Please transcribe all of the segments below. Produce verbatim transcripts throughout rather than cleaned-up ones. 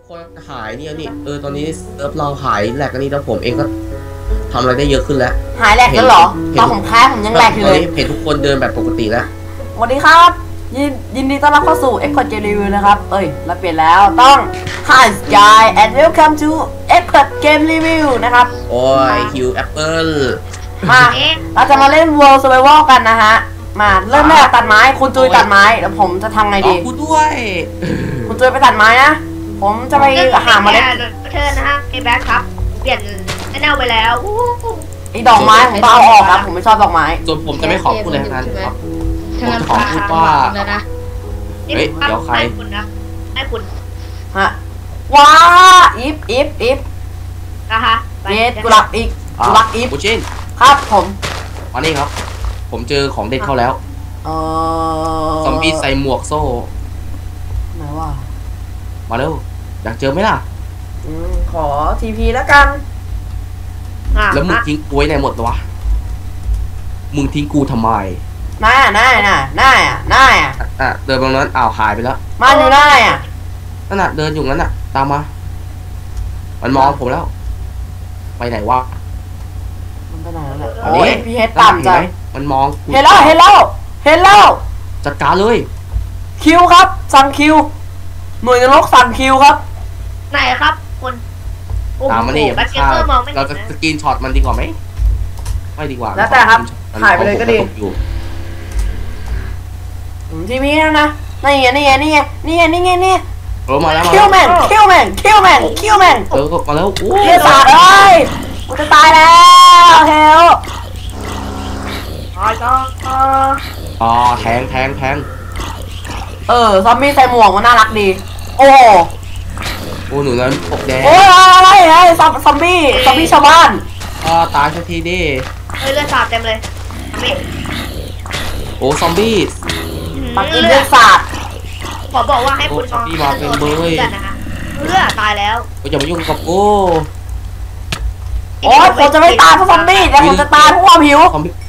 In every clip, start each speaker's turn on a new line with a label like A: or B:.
A: คนหายเนี่ยนี่เออตอนนี้เซิร์ฟเราหายแหลกกันนี่แล้วผมเองก็ทำอะไรได้เยอะขึ้นแล้ว
B: หายแหลกแล้วเหรอตอนผมแคสผมยังแหลกอยู่เลย
A: เห็นทุกคนเดินแบบปกติแล้ว
B: สวัสดีครับยินยินดีต้อนรับเข้าสู่ Expert Game Review นะครับเอ้ยเราเปลี่ยนแล้วต้อง Hi Sky and welcome to Expert Game Review นะครับ
A: โอ้ยฮิวแอปเปิล
B: มาเราจะมาเล่น World Survival กันนะฮะมาเริ่มแรกตัดไม้คุณจุยตัดไม้แล้วผมจะทำไงดี
A: กูด้วย
B: คุณจุยไปตัดไม้นะผมจะไปหามาเล่น
C: เชิญนะฮะไอ้แบ็คครับเปลี่ยนไอ้เน่าไปแล้ว
B: ไอ้ดอกไม้ผมต้องเอาออกครับผมไม่ชอบดอกไม้
A: ส่วนผมจะไม่ขอบคุณเลยนะครับผมจะขอพูดว่าเฮ้ยเดี๋ยวใคร
C: ให้คุณนะให้คุณ
B: ฮะว้าอีฟอีฟอีฟ
C: นะคะ
B: เย็ดกุหลาบอีกกุหลาบอีฟ
A: บูชิน
B: ครับผม
A: วันนี้ครับผมเจอของเด็ดเข้าแล้ว
B: เออ
A: ซอมบี้ใส่หมวกโซ่
B: ไหนวะ
A: มาเร็วอยากเจอไหมล่ะ
B: อืมขอทีพีแล้วกัน
A: แล้วมึงทิ้งกูไว้ไหนหมดวะมึงทิ้งกูทำไม
B: น่าน่าน่าน่าอ่ะน่าอ่ะ
A: อ่ะเดินตรงนั้นอ้าวหายไปแล้ว
B: มาอยู่น่าอ่ะ
A: นั่นน่ะเดินอยู่นั้นน่ะตามมามันมองผมแล้วไปไหนวะ
B: มันไปไหนแล้วโอ้ยพี่เฮดต่ำจัง
A: มันมอง
B: เห็นแล้วเห็นแล้วเห็นแล้ว
A: จัดการเลย
B: คิวครับสั่งคิวหน่วยนรกสั่งคิวครับ
C: ไหนครับคุณ
A: ตามมานี่เราจะสกรีนช็อตมันดีกว่าไหมไม่ดีกว่า
B: แล้วแต่ครับถ่ายไปเลยก็ดีทีวีนะนะนี่ไงนี่ไงนี่ไงนี่ไงนี่ไงนี่
A: เออมาแล้ว
B: คิวแมนคิวแมนคิวแมนคิวแมน
A: เออมาแล้วโอ้
B: ยสาดเลยกูจะตายแล้วเฮล
A: อ๋อแทงแทงแทง
B: เออซอมบี้ใส่หมวกมันน่ารักดีโอ้
A: โอ้หนูนั้นปกแดง
B: โอ้ยอะไรไอ้ซอมซอมบี้ซอมบี้ชาวบ้าน
A: อ่าตายสักทีดิ
C: เฮ้ยเลือดสาดเต็มเลย
A: โอ้ซอมบี้
B: ปักอินเลือดสาด
C: ขอบอกว่าให้คุณ
A: ซอมบี้มาเป็นเบย
C: เลือดตายแล้ว
A: ก็อย่ามายุ่งกับกู
B: โอ้ยผมจะไม่ตายเพราะซอมบี้แต่ผมจะตายเพราะความหิว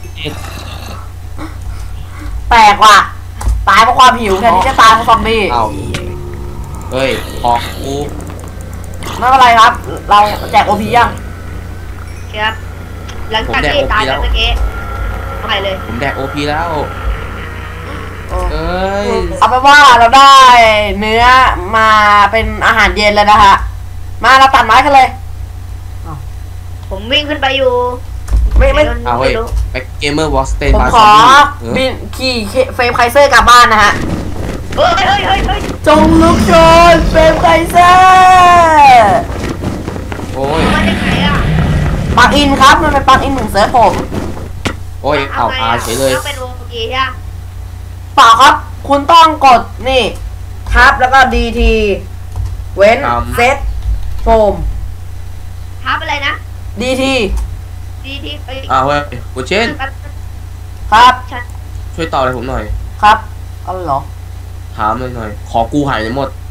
B: แปลกว่ะตายเพราะความหิวแทนที่จะตายเพราะซอมบี้
A: อ้าวเฮ้ยออกกู
B: ไม่เป็นไรครับเราแจกโอพียัง
C: ครับหลังจากที่ตายแล้วเมื่อกี้เอาไปเลย
A: ผมแดกโอพีแล้วเอ้ย
B: เอาไปว่าเราได้เนื้อมาเป็นอาหารเย็นแล้วนะฮะมาเราตัดไม้กันเลย
C: ผมวิ่งขึ้นไปอยู่
B: ไม่ไม่
A: เอาเฮ้ยไปเกมเมอร์วอสเตน
B: ผมขอบินขี่เฟรมไคเซอร์กลับบ้านนะฮะ
C: เฮ้ยเฮ้ยเฮ้ยเฮ้ย
B: จงลุกโชนเฟรมไคเซอร์
A: โอ้ย
C: มาจากไหนอ่ะ
B: ปักอินครับมันเป็นปักอินหนึ่งเซิร์ฟผม
A: โอ้ยเอาอาเฉยเลย
C: เป็นวงเกียร์
B: เปล่าครับคุณต้องกดนี่ทับแล้วก็ดีทีเว้นเซตโฟม
C: ทับอะไรนะ
B: ดีที
C: ดีที
A: อ้าวเฮ้ยกูเช่น
B: ครับ
A: ช่วยต่ออะไรผมหน่อย
B: ครับเอาเหรอ
A: ถามเลยหน่อยขอกูหายเลยหมด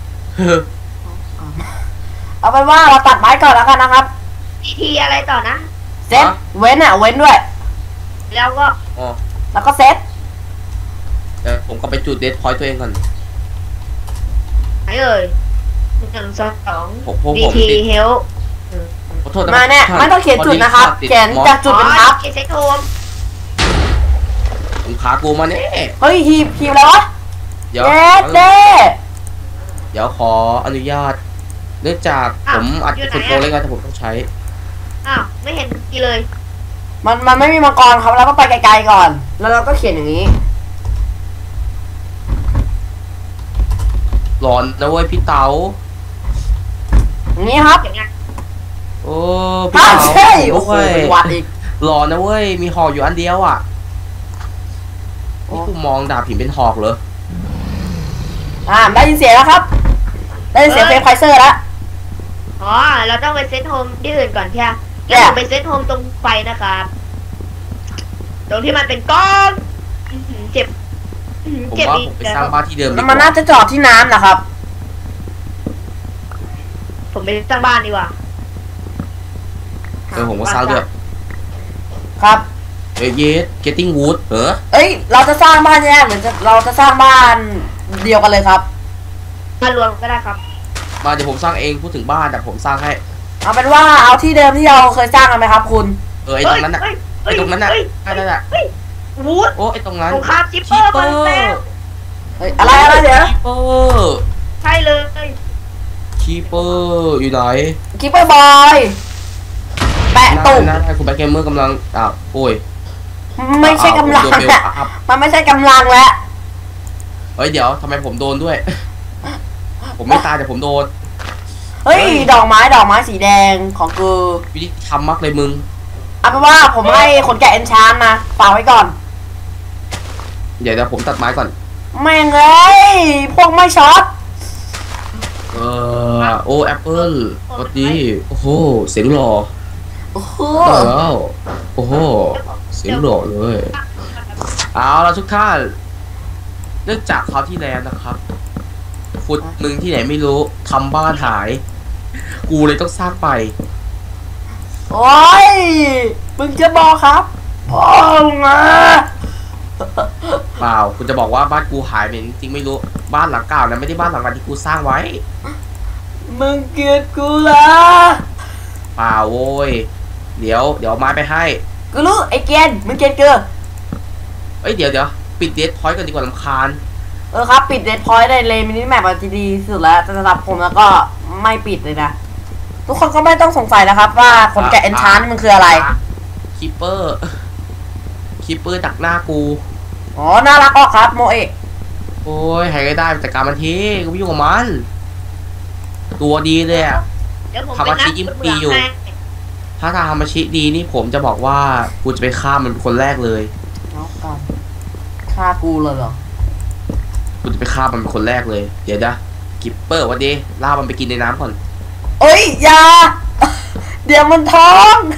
B: เอาเป็นว่าเราตัดไม้ก่อนแล้วกันนะครับ
C: ดีทีอะไรต่อนะ
B: เซตเว้นอ่ะเว้นด้วย
C: แล้วก็
A: อ๋อ
B: แล้วก็เซต
A: เดี๋ยวผมก็ไปจุดเดทพอยต์ตัวเองก่อน
C: ไหนเอ่ยหนึ่งสองสองดีทีเฮล
B: มาเนี่ยไม่ต้องเขียนจุดนะครับเขียนจากจุดเป็นทับ
C: เขียนเซตโฮม
A: ผมขากูมาเนี่ย
B: เฮ้ยทีมทีมแล้ววะ
A: เดี๋ยว
B: เด้
A: เดี๋ยวขออนุญาตเนื่องจากผมอัดสุดโปรเล็กๆแต่ผมต้องใช้
C: อ้าวไม่เห็นกี่เลย
B: มันมันไม่มีมังกรครับเราก็ไปไกลๆก่อนแล้วเราก็เขียนอย่างนี้
A: ร้อนนะเว้ยพี่เต๋า
B: อย่างนี้ครับ
A: โอ้พี่เต๋า
B: ใช่โอ้ยวัดอีก
A: ร้อนนะเว้ยมีหอกอยู่อันเดียวอ่ะนี่กูมองดาบหินเป็นหอกเหรอ
B: อ่าได้ยินเสียงแล้วครับได้ยินเสียงเฟรมไคเซอร์แล้ว
C: อ๋อเราต้องไปเซตโฮมที่อื่นก่อนใช่ไหมแล้วผมไปเซตโฮมตรงไฟนะครับตรงที่มันเป็นก้อนเจ็บ
A: ผมว่าผมไปสร้างบ้านที่เดิม
B: มันน่าจะจอดที่น้ำนะครับ
C: ผมไปสร้างบ้านดีกว่า
A: เออผมก็สร้างด้วย
B: ครับ
A: เอ้ยเยส getting wood เหรอ
B: เอ้ยเราจะสร้างบ้านแยกหรือจะเราจะสร้างบ้านเดียวกันเลยครับ
C: บ้านรวมก็ได้ครับ
A: มาเดี๋ยวผมสร้างเองพูดถึงบ้านแต่ผมสร้างให้
B: เอาเป็นว่าเอาที่เดิมที่เราเคยสร้างกันไหมครับคุณ
A: เออไอตรงนั้นน่ะไอตรงนั้นน่ะนั่นน่ะ
C: วูด
A: โอ้ไอตรงนั้น
C: สงครามจิปเปอร์มาแล้ว
B: เฮ้ยอะไรอะไรเดี๋ยว
A: คีเปอร์
C: ใช่เลย
A: คีเปอร์อยู่ไหน
B: คิปเปอร์บอยแปะตุ่ม
A: นั่นคุณแบ็คเกมเมอร์กำลังอ้าวโอ้ย
B: ไม่ใช่กำลัง
A: โดนเบล
B: อะ
A: อัพ
B: มันไม่ใช่กำลังแล้ว
A: เฮ้ยเดี๋ยวทำไมผมโดนด้วย ผมไม่ตายแต่ผมโดน
B: เฮ้ยดอกไม้ดอกไม้สีแดงของกู
A: วิธีทำมากเลยมึง
B: เอาเป็นว่าผมให้คนแกะเอนชานนะฝากไว้ก่อน
A: เดี๋ยวเดี๋ยวผมตัดไม้ก่อน
B: แม่งเอ้ยพวกไม่ช็อต
A: เออโอ้แอปเปิลสวัสดีโอ้โหเสียงหล่อ
B: โอ้โห
A: แล้วโอ้โหเสียงหล่อเลยเอาละทุกท่านเนื่องจากคราวที่แล้วนะครับฟุตมึงที่ไหนไม่รู้ทำบ้านหาย กูเลยต้องสร้างไป
B: โอ้ยมึงจะบอกครับโอ้งะ
A: เปล่าคุณจะบอกว่าบ้านกูหายไปจริงๆไม่รู้บ้านหลังเก่านะไม่ได้บ้านหลังนั้นที่กูสร้างไว้
B: มึงเกลียดกูละ
A: เปล่าโว้ยเดี๋ยวเดี๋ยวเอาไม้ไปให้
B: กูรู้ไอ้เกนมึงเกลียดกู
A: เอ้ยเดี๋ยวเดี๋ยวปิดเดทพอยต์กันดีกว่าลำคาญ
B: เออครับปิดเดดพอยต์ได้เลยมินิแมปจะดีสุดแล้วแต่สำหรับผมแล้วก็ไม่ปิดเลยนะทุกคนก็ไม่ต้องสงสัยนะครับว่าคนแกะเอนชานนี่มันคืออะไร
A: คิปเปอร์คิปเปอร์ดักหน้ากู
B: อ๋อน่ารักออกครับโมเอะ
A: โอ้ยใครก็ได้จัดการมันทีกูไม่ยุ่งกับมันตัวดีเลยอะ
C: เดี๋ยวผม
A: ทำ
C: ไป
A: อา
C: นั
A: ชี
C: ด
A: พยิ้ม
C: คุณ
A: ปี
C: เมือง
A: อยู่
C: ให้
A: ถ้าทำอาชีพดีนี่ผมจะบอกว่ากูจะไปฆ่ามันเป็นคนแรกเลย
B: เอากันฆ่ากูเลยเหรอ
A: กูจะไปฆ่ามันเป็นคนแรกเลยเดี๋ยวนะคิปเปอร์วันดีล่ามันไปกินในน้ำก่อน
B: เอ้ยอย่า เดี๋ยวมันท้อง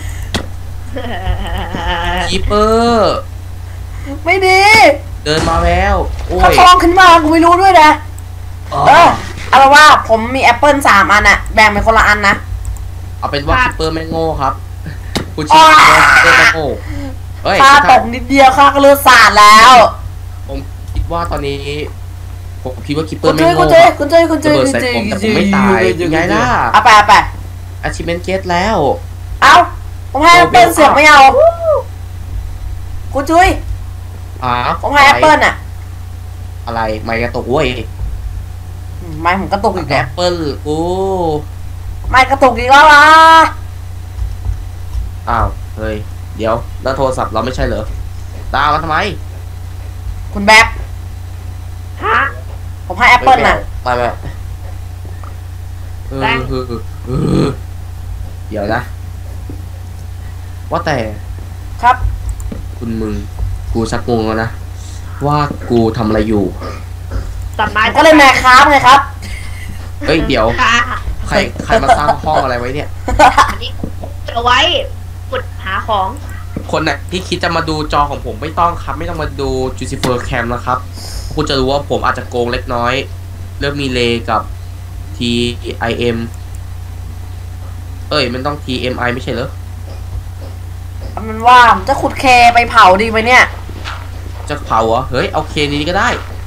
A: คิปเปอร์
B: ไม่ดี
A: เดินมาแล้วโอ้
B: ถ้าย ท้องขึ้นมากูไม่รู้ด้วยนะ
A: อ๋อ
B: เออเอาเป็นว่าผมมีแอปเปิลสามอันอะแบ่งเป็นคนละอันนะ
A: เอาเป็นว่า
C: ครับ
A: คิปเปอร์ไม่โง่ครับคุณชิปเปอร์ไม่โง่เฮ้ย
B: ค่าตกนิดเดียวค่าก็เลือดสาดแล้ว
A: ผมคิดว่าตอนนี้ผมคิดว่าคิปเปอ
B: คุ
A: ร์
B: ณ
A: ไม่
B: เจย
A: โง่
B: คุณเจยคุณเจยคุณเจย
A: ระเบิด
B: คุณ
A: ใส่
B: เจย
A: ผมแต่ผมไม่ตายยังไงล่ะ
B: เอาไปเอาไป
A: achievement get แล้ว
B: เอาผมให้แอปเปิลเสือกไม่เอาคุณจุ้ย
A: อ๋อ
B: ผมให้แอปเปิลอะ
A: อะไรไม่กระตุกเว้ย
B: อืมไม่ผมกระตุกอีก
A: แอ
B: แล้ว
A: ปเปิลกู
B: ไม่กระตุกอีกแล้วล่ะ
A: อ้าวเฮ้ยเดี๋ยวแล้วโทรศัพท์เราไม่ใช่เหรอตามมาทำไม
B: คุณแบ๊บ
C: ฮะ
B: ผมให้แอปเปิลน่ะ
A: ไปไปเออ
C: แป้ง
A: เออเออเออเดี๋ยวนะ ว่าแต่
B: ครับ
A: คุณมึงกูชักงงแล้วนะ ว่ากูทำอะไรอยู่
C: ตัดไม้
B: ก็เลยแมคครับไงครับ
A: เฮ้ยเดี๋ยว
C: ค่ะ
A: ใครใครมาสร้างห้องอะไรไว้เนี่ย
C: อันนี้จะไว้ขุดหาของ
A: คนน่ะที่คิดจะมาดูจอของผมไม่ต้องครับ ไม่ต้องมาดู Jucifer Cam นะครับคุณจะรู้ว่าผมอาจจะโกงเล็กน้อย เริ่มมีเลกับ ที ไอ เอ็ม เอ้ยมันต้อง ที เอ็ม ไอ ไม่ใช่เหรอ
B: เอามันว่าผมจะขุดเคไปเผาดีไหมเนี่ย
A: จะเผาเหรอ เฮ้ย เอาเคนี้ก็ได้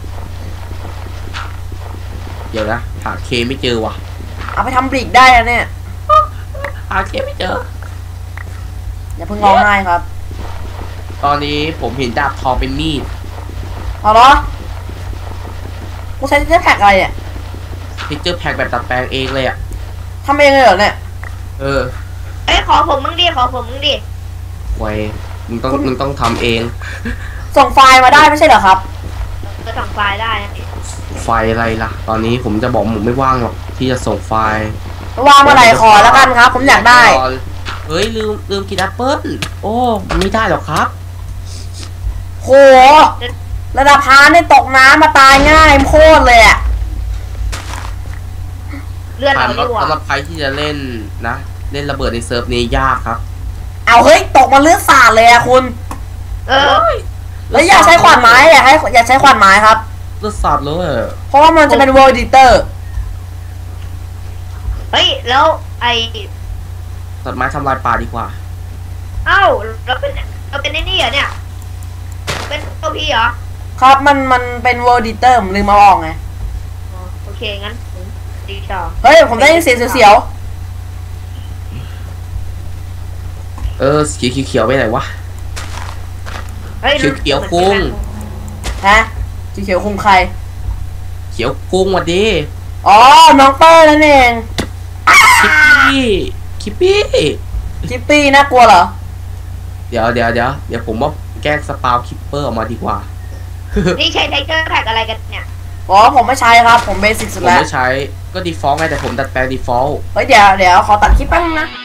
A: เดี๋ยวนะ หาเคไม่เจอว่ะ
B: เอาไปทำบริกได้นะเนี่ย
A: หาเคไม่เจอ
B: อย่าเพิ่งร้องไห้ครับ
A: ตอนนี้ผมเห็นดาบทองเป็นมีด
B: เอาเหรอกูใช้เจ็ตแพ็กอะไรเนี่ย
A: พิกเจอร์แพ็กแบบตัดแปลงเองเลยอ่ะ
B: ทำเองเลยเหรอเนี่ย
A: เออ
C: เอ้ยขอผมมึงดิขอผมมึงดิ
A: ไว้มึงต้องมึงต้องทำเอง
B: ส่งไฟล์มาได้ไม่ใช่เหรอครับ
C: จะส่งไฟล์ได้นะ
A: ไฟล์อะไรล่ะ ตอนนี้ผมจะบอกผมไม่ว่างหรอกที่จะส่งไฟล์
B: วางเมื่อไหร่ขอแล้วกันครับ ผมอยากได้
A: เฮ้ยลืมลืมกินแอปเปิ้ลโอ้มันไม่ได้หรอกครับ
B: โห ระดับพาเนี่ยตกน้ำมาตายง่ายโคตรเลยอ่ะ
C: เลื่อนเราดีกว่า
A: สำหรับใครที่จะเล่นนะ เล่นระเบิดในเซิร์ฟนี้ยากครับ
B: เอาเฮ้ยตกมาเลือดสาดเลยอะคุณ
C: เออ
B: แล้วอย่าใช้ขวานไม้อย่าให้อย่าใช้ขวานไม้ครับ
A: เลือดสาดเลย
B: เพราะว่ามันจะเป็น World Editor
C: เฮ้ยแล้วไอ
A: ตัดไม้ทำลายป่าดีกว่า
C: เอ้าเราเป็นเราเป็นไอ้นี่เหรอเนี่ย เป็นตัวพี่เหรอ
B: ครับมันมันเป็น World Editor ผมลืมมาบอกไง
C: อ๋อโอเคงั้นผมตีต่อ
B: เฮ้ยผมได้ยินเสียงเสียว
A: เออสีเขียวๆไปไหนวะ
C: เฮ้ย
A: เขียวๆกุ้ง
B: ๆฮะสีเขียวคุมใคร
A: เขียวกุ้งวัดดี
B: อ๋อน้องเปอร์นั่นเอง
A: คิปปี้คิปปี้
B: คิปปี้น่ากลัวเหรอ
A: เดี๋ยวเดี๋ยวเดี๋ยวเดี๋ยวผมว่าแกล้งสปาวคิปเปอร์ออกมาดีกว่า
C: นี่ใช้ไทเกอร์แท็กอะไรกันเนี่ย
B: อ๋อผมไม่ใช้ครับผมเบสิก
A: ผ
B: สุด
A: ม
B: แล้ว
A: ไม่ใช้ก็ default ไงแต่ผมดัดแปลง default
B: เฮ้ยเดี๋ยวเดี๋ยวขอตัดคลิปแป๊บนึงนะ